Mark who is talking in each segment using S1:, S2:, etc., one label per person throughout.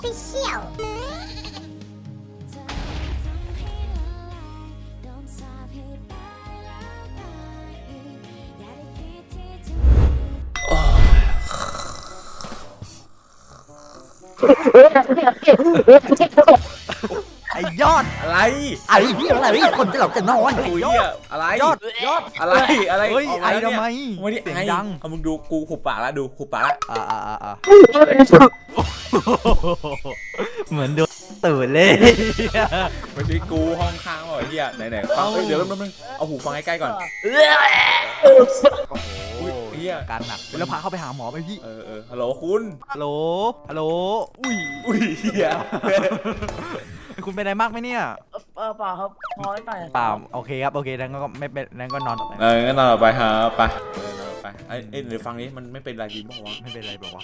S1: Official
S2: ไอ้ยอด
S3: อะไร
S2: ไอ้เหี้ยอะไรคนจะหลับจะนอน
S3: โอ้ยอะไร
S2: ยอด
S3: อะไรอะไร
S2: เฮ้ย
S3: กา
S2: ไอ้
S3: แล้ว
S2: ทำ
S3: เนี่ย
S2: ไม
S3: ไม่ได้
S2: เสียง
S3: ไอ้
S2: ดัง
S3: เอามึงดูกูหุบปากแล้วดูหุบปากแล้ว
S2: เหมือนโดนตื่นเลย
S3: ไม่ใช่กูห้องข้างหรอกไอ้เหี้ยไหนฟังเดี๋ยวแป๊บนึงเอาหูฟังใกล้ๆก่อนอุ้ยไอ้เหี้ย
S2: การหนักแล้วพาเข้าไปหาหมอไปพี่
S3: ฮัลโหลคุณ
S2: ฮัลโหลฮัลโหลอุ้ย
S3: อุ้ยเหี้ย
S2: คุณเป็นอะไรมากไหมเนี่ย
S4: เปล่าครับพอหน่อย
S2: เปล่าโอเคครับโอเคนั้นก็ไม่เป็นนั้นก็นอนต่อไป
S3: งั้นนอนต่อไปฮะไปนอนต่อไปเอ้ยเดี๋ยวฟังนี้มันไม่เป็นไรจริงป่าวะ
S2: ไม่เป็นไรบอกว่า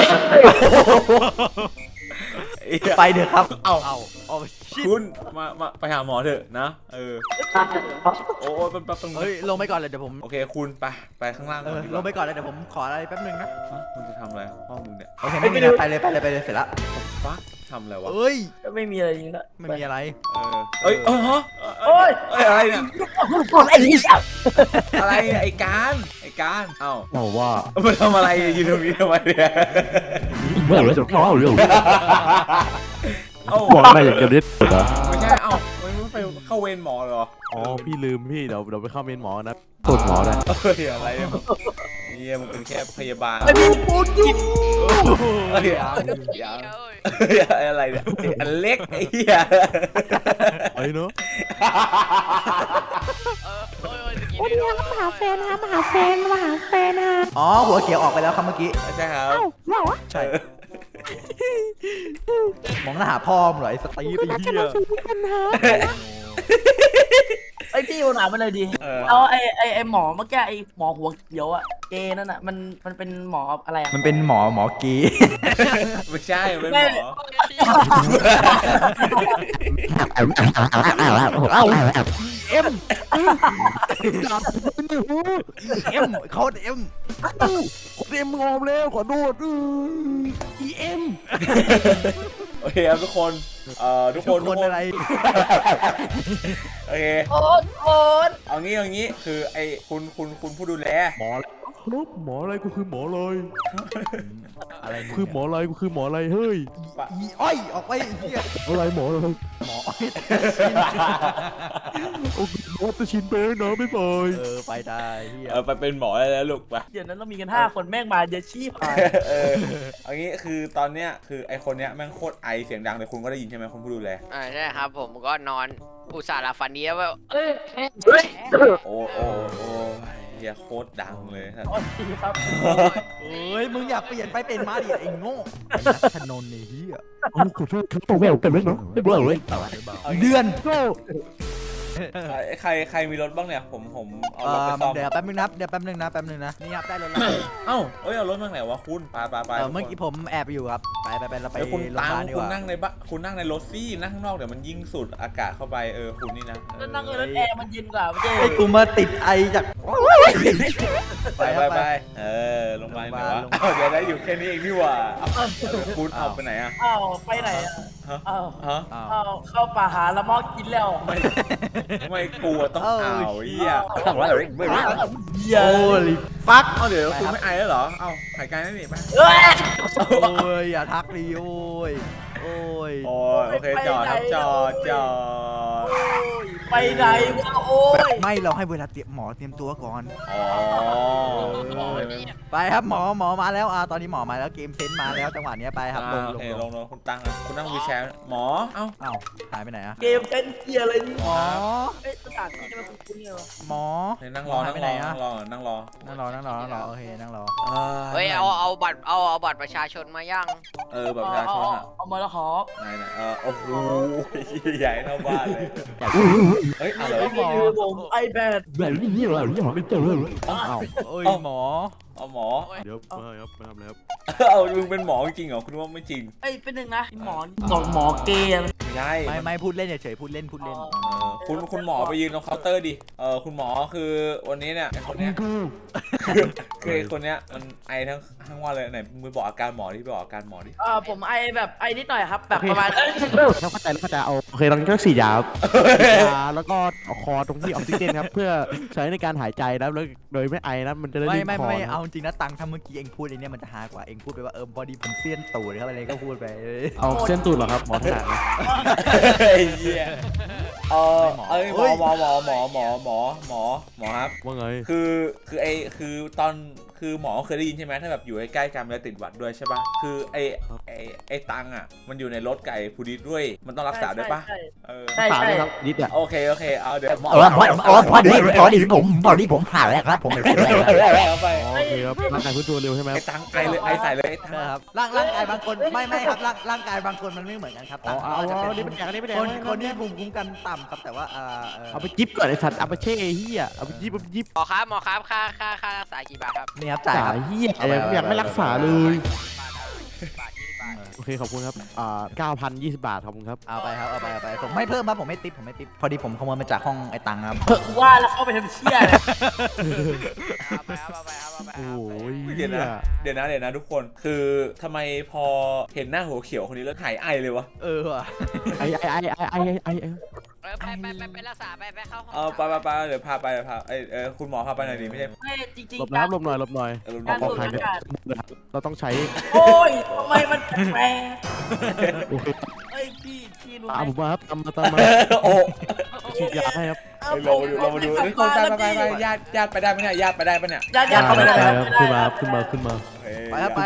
S3: ไอ้เหี้ย
S2: ไปเถอะครับ
S3: เอา
S2: เอาชิด
S3: คุณมาไปหาหมอเถอะนะโอ้ยแป๊บนึง
S2: เฮ้ยลงไปก่อนเลยเดี๋ยวผม
S3: โอเคคุณไปข้างล่างก่อนดีก
S2: ล
S3: ว่าง
S2: ไปก่อนเลยเดี๋ยวผมขออะไรแป๊บนึงนะ
S3: มึงจะทำอะไรพ่อมึงเนี่ย
S2: โอเคไม่มีนะไปเลยเสร็จละ
S3: ฟักทำอะไรวะ
S2: เอ้ย
S4: ไม่มีอะไรจริงนะ
S2: ไม่มีอะไร
S3: เอ้ยฮะ
S4: โอ้ย
S3: อะไรเนี่ย
S4: ไอ้นี่ครับ
S3: อะไรเนี่ยไอ้การเอ้า
S5: บอกว่า
S3: มาทำอะไรยืนตรงนี้ทำไมเนี่ย
S5: เมื่อไรจะร้องเรื่อง
S3: เอ้า
S5: บอกอะไรอย่างเดียวนิดเหรอ
S3: ไม่ใช่เอ้าไม่ไปเข้าเวรหมอเหรอ
S5: อ๋อพี่ลืมพี่เดี๋ยวไปเข้าเมนหมอนะตรวจหมอได้
S3: เฮ้ยอะไรเนี่ยเฮียมึงเป็นแค่พยาบาล
S4: ไอ้พี่พูดอยู่
S3: เฮ้ยยังอะไรเนี่ยอันเล็กไอ้เหี้ย
S5: ไอ้เนาะ
S1: วันนี้มาหาแฟนนะมาหาแฟนมาหาแฟนนะ
S2: อ๋อหัวเขียวออกไปแล้วครับเมื่อกี้
S3: ไม่ใช่ครับ
S1: เหรอ
S2: ใช่มองหน้าหาพ่อมึงเหรอไอ้สตีฟไอ้
S1: รักกัน
S2: เหี้ย
S1: มาซื้อกันนะ
S4: ไอ้พี่ถามมาเลยดีเอาไอ้หมอเมื่อกี้ไอ้หมอหัวเขียวอะเกนั่นอะมันเป็นหมออะไรอะ
S2: มันเป็นหมอกี
S3: ไม่ใช่เป็นหมอ
S2: เอ็มเขาเอ็ม
S5: เต็มงอมแล้วขอโทษ
S2: EM
S3: โอเคครับทุกคนทุก
S2: ทุ
S3: ค
S2: ก
S3: น
S2: คนอะไร
S3: โอเค
S4: โอ๊ต
S3: เอางี้คือไอ้คุณผู้ดูแล
S5: หมอครับหมออะไรกูคือหมอเลย
S2: อะไร
S5: คือหมออะไรกูคือหมออะไรเฮ้ย
S2: อีอ้อยออกไปเหี้ย
S5: อะไรหมอเลย
S2: หมออ้อย
S5: โอ้หมอจะชินไปแล้วนะไม่ปล่อย
S2: ไปได้เหี้ย
S3: ไปเป็นหมอได้แล้วลูกไป
S4: เดี๋ยวนั้นเรามีกัน5 คนแม่งมาเดี๋ยวชี้ผ่าน
S3: เอางี้คือตอนเนี้ยคือไอ้คนเนี้ยแม่งโคตรไอเสียงดังเลยคุณก็ได้ยินใช่ไหมคุณผู้ดูแล
S6: ใช่ครับผมก็นอนอุตส่าห์หลับฝันดีแล้วว่า
S3: โอ้เฮียโคตรดังเลย
S4: โอ๊ตครับ
S2: เอ้ยมึงอยากเปลี่ยนไปเป็นมาดิไอ้โง่ไอ้นักขนนไอ้เหี้ย
S5: ขอโทษครับต้องแววกันไหมเนาะไม่เบื่อเลย
S2: เดือน
S3: ใครมีรถบ้างเนี่ยผมเอารถไปซ่อม
S2: เดี๋ยวแป๊บนึงนะนี่ครับได้รถแล้ว
S3: เอ้าเอารถบ้างไหนวะคุณไป
S2: เมื่อกี้ผมแอบอยู่ครับไปเราไป
S3: คุณ
S2: โรงพ
S3: ตั
S2: ยางบาลดีก
S3: คุณ
S2: ว่า
S3: นั่งในบ้านคุณนั่งในรถซี่นั่งข้างนอกเดี๋ยวมันยิ่งสูดอากาศเข้าไปคุณนี่นะ
S4: นั่งเลยแล้วแอร์มันเย็นกว่าไม่ใช่
S2: ไอ้กูมาติดไอจาก
S3: ไปลงมาไหนวะเดี๋ยวได้อยู่แค่นี้เองนี่หว่าคุณเอาไปไหนอ่ะ
S4: อ้าวไปไหนอะอ้าว
S3: ฮะ
S4: อ้าวเข้าป่าหาละมอกินแล้ว
S3: ไม่กลัวต้องเอาเหี้ย
S4: เหี้ย
S2: โอ้ยฟัก
S3: เดี๋ยวคุณไม่ไอแล้วเหรอเอาหายใจได้ดิไป
S4: เอ้ย
S2: โอ้ยอย่าทักดิโอ้ย
S3: โอเคจอดครับจอด
S4: โอ้ยไปไหนวะโอ้ย
S2: ไม่เราให้เวลาเตรียมหมอเตรียมตัวก่อน
S3: อ๋อ
S2: ไปครับหมอมาแล้วตอนนี้หมอมาแล้วเกมเซนมาแล้วจังหวะนี้ไปครับลง
S3: โอเคลงคุณตั้งคุณนั่งวีลแชร์หมอเอ้า
S2: อ้าวหายไปไหนอะ
S4: เกมเต้นเกียร์อะไรนี่
S2: หมอ
S4: เอ้ยสถานที่นี่มันคุ้นๆไงวะ
S2: หมอ
S3: นั่งรอ
S2: หายไปไหนอะ
S3: นั่งรอ
S2: นั่งรอโอเคนั่งรอ
S6: เฮ้ยเอาบัตรประชาชนมาย่าง
S3: แบบประชาชนอ่ะ
S4: เอามาแล้วขอ
S3: ไหนโอ้โหใหญ่เท่าบ้านเลยเฮ้ยอะไร
S4: นี่คือผม iPad
S5: แบบนี้เราไม่เจอเลย
S2: อ้าวเอ้ยหมอ
S3: เอาหมอ
S5: เดี๋ยวมาครับมาทำแล้ว
S3: เอามึงเป็นหมอจริงเหรอคุณว่าไม่จริง
S4: เอ้ยเป็นหนึ่งนะหมอหมอเกย์
S3: ไม่ใช่
S2: ไม่พูดเล่นเฉยๆพูดเล่น
S3: คุณหมอไปยืนตรงเคาน์เตอร์ดิคุณหมอคือวันนี้เนี่ยไอ้คนเนี้ยคือไอ้คนเนี้ยมันไอทั้งวันเลยไหนมึงบอกอาการหมอดิบอกอาการหมอดิ
S4: ผมไอแบบไอนิดหน่อยครับแบบประมาณ
S5: เขาเข้าใจแล้วเข้าใจเอาโอเคตอนนี้ก็ฉีดยาครับฉีดยาแล้วก็เอาคอตรงที่ออกซิเจนครับเพื่อใช้ในการหายใจนะแล้วโดยไม่ไอนะมันจะได้
S2: ไม่
S5: ลื่นคอ
S2: เอาจริงนะตังค์ถ้าเมื่อกี้เองพูดไอ้เนี่ยมันจะฮากว่าเองพูดไปว่าพอดีผมเสี้ยนตูดครับอะไรก็พูดไป
S5: เอาเส้นตูดเหรอครับหมอถนัดนะ
S3: ไอ้เหี้ยหมอครับ
S5: ว่าไง
S3: คือตอนคือหมอเคยได้ยินใช่ไหมถ้าแบบอยู่ใกล้ๆกันแล้วติดหวัดด้วยใช่ป่ะคือไอ้ตังอ่ะมันอยู่ในรถไก่พูดิตด้วยมันต้องรักษาด้วยป่ะ
S4: ใช่
S5: ฝากด้วยครับนิดอ่ะ
S3: โอเคเอาเดี๋ยวหมอ
S2: พอดีผมผ่านแล้วครับผมไม่เป็นไร
S3: เอาไป
S5: โอเคครับร่างกายพื้นตัวเร็วใช่ไหม
S3: ไอ้ตังไอเลยไอใส่เลยไอ้ตัง
S2: ครับร่างกายบางคนไม่ครับร่างกายบางคนมันไม่เหมือนกันครับ
S5: เอานี่เป็นอย่างนี้เป็นอย่าง
S2: คนที่ภูมิคุ้มกันต่ำครับแต่ว่า
S5: เอาไปจิ๊บก่อนไอสัตว์เอาไปเช่เฮียเอาไปจิ๊บ
S6: หมอครับค่ารักษากี่บาทครับ
S2: นี่ครับจ่าย
S5: สา
S2: ครับ
S5: ยเฮียอยากไม่รักษาเลย
S6: บาท20 บาท
S5: โอเคขอบคุณครับ9,020 บาทขอบคุณครับ
S2: เอาไปครับเอาไปผมไม่เพิ่มครับผมไม่ติปพอดีผมขโมยมาจากห้องไอ้ตังครับ
S4: ว่าแล้วเข้าไปทำเชี่ย
S6: เอาไปครับ
S5: โอ้ย
S3: เดี๋ยวนะทุกคนคือทำไมพอเห็นหน้าหัวเขียวคนนี้แล้วหายไอเลยวะ
S2: ว่ะ
S5: ไอ
S6: ไปรักษาไปเข้าห้อง
S3: ไปเดี๋ยวพาไปคุณหมอพาไปหน่อยดิไม่ใช่
S4: ไม่จริง
S5: หลบนะครับหลบหน่อยหน่อย
S4: การ
S5: ปลอ
S4: สู
S5: ด
S4: ด
S5: ภัย
S4: อากาศ
S5: เราต้องใช้
S4: โอ้ยทำไมมันแปลก
S5: โอเค
S4: เอ้ยพี่รู้ไห
S5: ตาม
S4: ม
S5: ผมมาครับตามมา
S3: โอ้
S5: ฉีดยาให้ครับ
S3: ลงมาดูนี่คนไปญาติไปได้ไหมเนี่ยญาติไปได้ปะเนี่ย
S4: ญาติเข้าไปได้ครับ
S5: ขึ้นมา
S2: ไปครับไป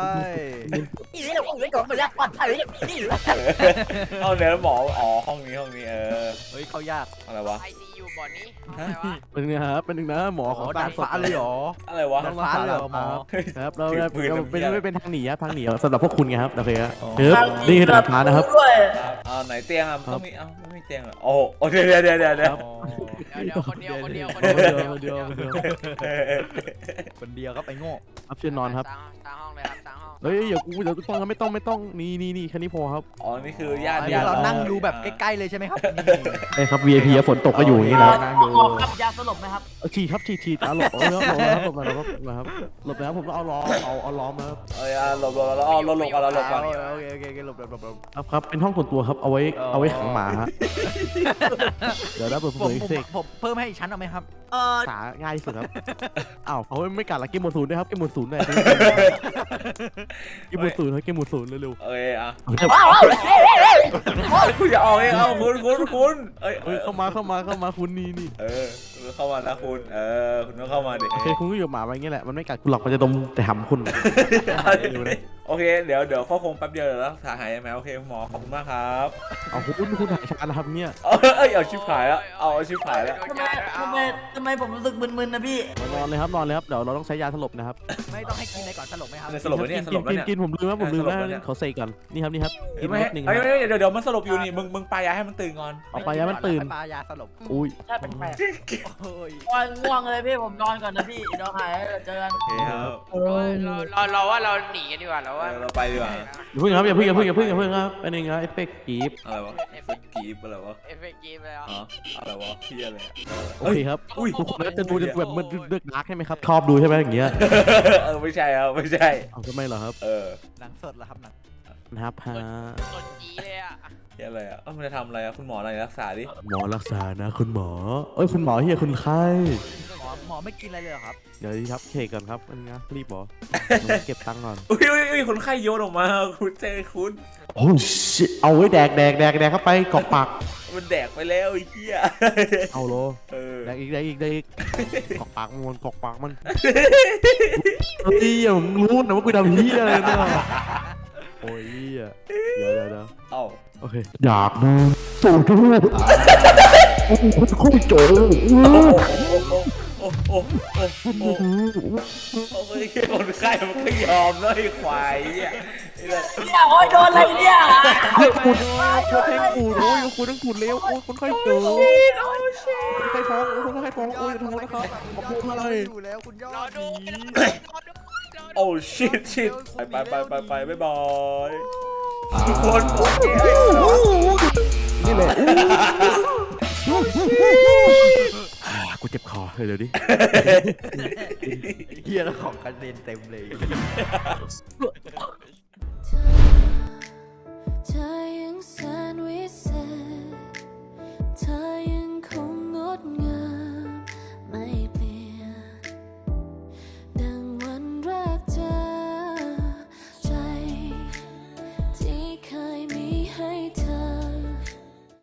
S3: เอาเดี๋ยวหมอห้องนี้
S2: เฮ้ยเขายาก
S3: อะไรวะ
S6: ICU บ่อนี้
S5: เป็นไงครับเป็นหนึ่งนะหมอของ
S2: ดาดฟ้าเลยหรอ
S3: อะไรวะ
S2: ดาดฟ้าเลยหรอหมอ
S5: ครับเราไม่เป็นทางหนีครับทางหนีสำหรับพวกคุณไงครับโอเคครับนี่คือดาดฟ้านะครับ
S4: ด้วย
S3: ไหนเตียงต้องมีไม่มีเตียงเหรอโอ้เดี๋ยว
S6: เดี๋ยวคนเดียว
S2: คนเดียวก็ไปโง่
S5: ครับเชิญนอนครับ
S6: ตามห้องเลยครับตามห้อง
S5: เฮ้ยเดี๋ยวต้องไม่ต้องนี่แค่นี้พอครับ
S3: นี่คือญาติ
S2: เรานั่งดูแบบใกล้ๆเลยใช่ไหมครับ
S5: ใช่ครับ VIP ฝนตกก็อยู่อย่างนี้นะ
S2: นั่งดู
S4: หมอครับยาสลบไหมครับ
S5: ฉีดหลบนะครับผมต้องเอาล้อมาครับ
S3: หลบแล้วเอาหลบก่อน
S2: โอเคหลบ
S5: ครับเป็นห้องส่วนตัวครับเอาไว้ขังหมาฮะเดี๋ยวเปิดเผยเสก
S2: ผมเพิ่มให้อีกชั้นเอาไหมครับ
S5: สาง่ายที่สุดครับอ้าวเอาไม่กัดละเกมหมดศูนย์ด้วยครับเกมหมดศูนย์เลยเกมหมดศูนย์ครับเกมหมดศูนย์เร็ว
S3: คุณอย่าออกเองคุณ
S5: เข้ามาคุณนี่
S3: เข้ามานะคุณคุณต้องเข้ามาดิ
S5: โอเคคุณก็อยู่หมาไว้อย่างเงี้ยแหละมันไม่กัดคุณหรอกมันจะดมแต่หำคุณ
S3: โอเคเดี๋ยวเข้าคงแป๊บเดียวแล้วถ่ายหายไหมโอเคหมอขอบคุณมากครับ
S5: เอาคุณถ่ายชานะครับเนี่ย
S3: เอาชิบหายแล้วเอาชิบหายแล้ว
S4: ทำไมผมรู้สึกมึนๆนะพี่
S5: นอนเลยครับเดี๋ยวเราต้องใช้ยาสลบนะครับ
S2: ไม่ต้องให้กินอะไรก่อนสลบไหมครับ
S3: สลบแล้วเนี่ยสลบแล้วเนี่ย
S5: กินผมลืมนะเขาเสกก่อนนี่ครับกิน
S3: ไม่
S5: นิดนึง
S3: เดี๋ยวมันสลบอยู่นี่มึงไปให้มันตื่นก่อน
S5: เอาไปยามันตื่น
S2: ปลายาสลบ
S5: อุ้ย
S4: ใช่แปลก
S2: โอ้ย
S4: ๆง่วงเลยพี่ผมนอนก่อนนะพี่เดี๋ยวหายเจอกัน
S3: โอเคครับ
S6: เราว่าเราหนีกันดีกว่าเราว่า
S3: เราไปดีกว่า
S5: อย่าเพิ่งครับเป็นยังไงเอฟเฟกต์กีบ
S3: อะไรวะสกีบอะไรวะ
S6: เอฟเฟกต์เกมแล้ว
S3: อะไรวะพี่อะไร
S5: โอเคครับทุกคนจะดูแบบมันเลือกดาร์กใช่ไหมครับชอบดูใช่ไหมอย่างเงี้ย
S3: ไม่ใช่ครับไม่ใช่
S5: เอาทำไมเหรอครับ
S2: หนังสดเหรอครับหนัง
S5: นะครับฮะ
S6: สดจีเลยอ่ะ
S3: ที่อะไรมันจะทำอะไรคุณหมออะไรรักษาดิ
S5: หมอรักษานะคุณหมอคุณหมอเฮียคุณไข้
S2: หมอไม่กินอะไรเลยเหรอครับ
S5: เดี๋ยวครับเคก่อนครับอันนี้รีบหรอเก็บตังค์ก่อน
S3: อุ้ยคนไข้โยนออกมาคุณเจคุณ
S5: โอ้ชิเอาไว้แดกเข้าไปกรอกปาก
S3: มันแดกไปแล้วไอ้เหี้ย
S5: เอาโลแดกอีกกรอกปากมันเฮ้ยผมรู้นะว่ากูทำเฮียอะไรเนี่ยโอ้ยเดี๋ยว
S3: เอ้า
S5: โอเคอยากดูสูตรทุกโอ้โหโคตรโจ๋
S3: โอ้โอ้โอ้โอ้ยคนไข้มันก็ยอมแล้วไอ้ควายเนี่ยไอ้เนี่ย
S4: เนี่ยโอ้ยโดนอะไรเนี่ย
S5: เฮ้ยคุณแทงกูโอ้ยคุณต้องขุดเร็วโอ้ยคนไข้เจอคนไข้ท้องคนไข้ท้องโอ้ยท้องนะครับขอบคุณอะไร
S2: อยู่แล้วคุณยอ
S6: รอ
S2: ด
S6: ดู
S2: ดี
S6: รอดู
S3: โอ้ชิตชิตไปบ๊ายบายทุกคนโอเค
S5: นี่แหละกูเจ็บคอเร็วดิ
S2: เฮียแล้วของกระเด็นเต็มเลย